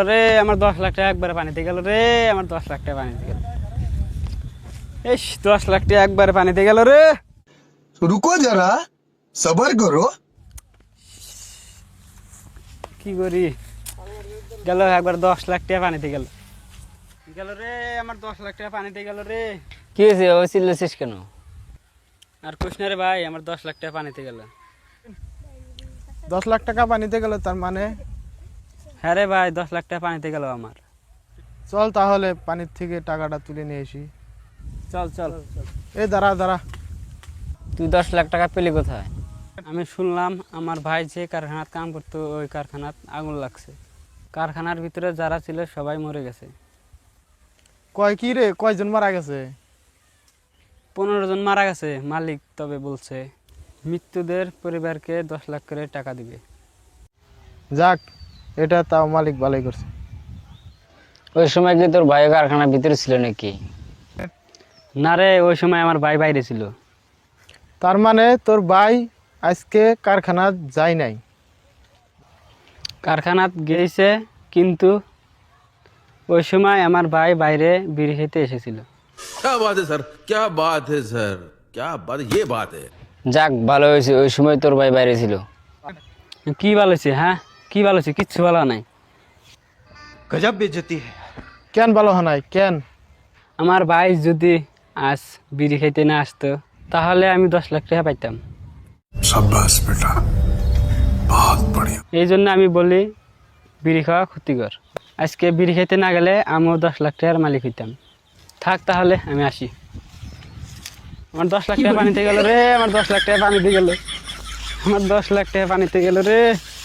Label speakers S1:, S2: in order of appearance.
S1: রে আমার 10 লাখ টাকা একবারে পানিতে গেল রে, আমার 10 লাখ টাকা পানিতে গেল। ইস 10 লাখ টাকা একবারে পানিতে গেল রে।
S2: रुको जरा सबर करो।
S1: কি করি, গেল একবার 10 লাখ টাকা পানিতে গেল। গেল রে আমার 10 লাখ টাকা পানিতে গেল রে।
S3: কি হয়েছে, ওই চিল্লাছিস কেন?
S1: আর কৃষ্ণ রে ভাই, আমার 10 লাখ টাকা পানিতে গেল।
S4: 10 লাখ টাকা পানিতে গেল, তার মানে?
S1: হ্যাঁ রে ভাই, 10 লাখ টাকা পানিতে গেল আমার।
S4: চল তাহলে পানির থেকে টাকাটা তুলে নিয়ে আসি।
S1: চল চল।
S4: এই দাঁড়া দাঁড়া,
S3: তুই 10 লাখ টাকা পেলি কোথায়?
S1: আমি শুনলাম আমার ভাই যে কারখানাত কাম করতো, ওই কারখানাত আগুন লাগছে। কারখানার ভিতরে যারা ছিল সবাই মরে গেছে।
S4: কয় কি রে, কয়জন মারা গেছে?
S1: 15 জন মারা গেছে, মালিক তবে বলছে মৃত্যুদের পরিবারকে 10 লাখ করে টাকা দিবে।
S4: যাক, এটা তাও মালিক ভালোই করছে।
S3: ওই সময় কি তোর ভাই কারখানার ভিতরে ছিল নাকি?
S1: না রে, ওই সময় আমার ভাই বাইরে ছিল।
S4: তার মানে তোর ভাই আজকে কারখানা যায় নাই?
S1: কারখানাত গেছে, কিন্তু ওই সময় আমার ভাই বাইরে বিড়ি খেতে এসেছিল।
S5: क्या बात है सर, क्या बात है सर, क्या बात, ये बात है।
S3: যাক, ভালো হয়েছে ওই সময় তোর ভাই বাইরে ছিল।
S1: কি ভালো হয়েছে? হ্যাঁ, কি ভালো হয়েছে? কিচ্ছু ভালো নাই।
S2: गजब बेइज्जती है।
S4: কেন ভালো হয় নাই, কেন?
S1: আমার ভাই যদি আজ বিড়ি খাইতে না আসতো, তাহলে আমি 10 লাখ টাকা পাইতাম।
S2: शाबाश बेटा, बहुत बढ़िया।
S1: এই জন্য আমি বলি বিড়ি খাওয়া ক্ষতিকর। আজকে বিড়ি খাইতে না গেলে আমিও 10 লাখ টাকার মালিক হইতাম। থাক তাহলে, আমি আসি। আমার 10 লাখ টাকা পানিতে গেল রে, আমার 10 লাখ টাকা পানিতে গেল, আমার 10 লাখ টাকা পানিতে গেল রে।